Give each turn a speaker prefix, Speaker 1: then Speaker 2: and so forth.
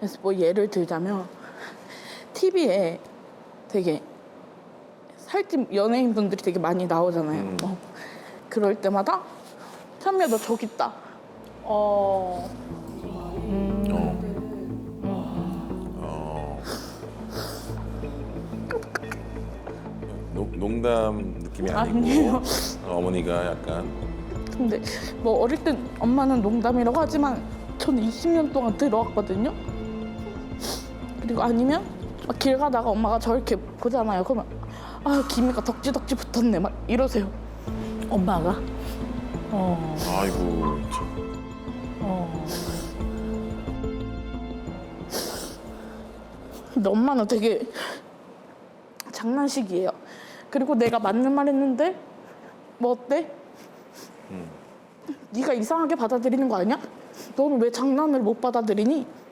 Speaker 1: 그래서 뭐 예를 들자면 TV에 되게 살찐 연예인분들이 되게 많이 나오잖아요. 그럴 때마다 현미야 너 저기 있다.
Speaker 2: 농담 느낌이 아니고
Speaker 1: 아니에요.
Speaker 2: 어머니가 약간
Speaker 1: 근데 뭐 어릴 땐 엄마는 농담이라고 하지만 저는 20년 동안 들어왔거든요. 그리고 아니면 막 길 가다가 엄마가 저렇게 보잖아요. 그러면 아 김이가 덕지덕지 붙었네 막 이러세요.
Speaker 3: 엄마가?
Speaker 2: 아이고 참.
Speaker 1: 근데 엄마는 되게 장난식이에요. 그리고 내가 맞는 말 했는데 뭐 어때? 네가 이상하게 받아들이는 거 아니야? 너는 왜 장난을 못 받아들이니?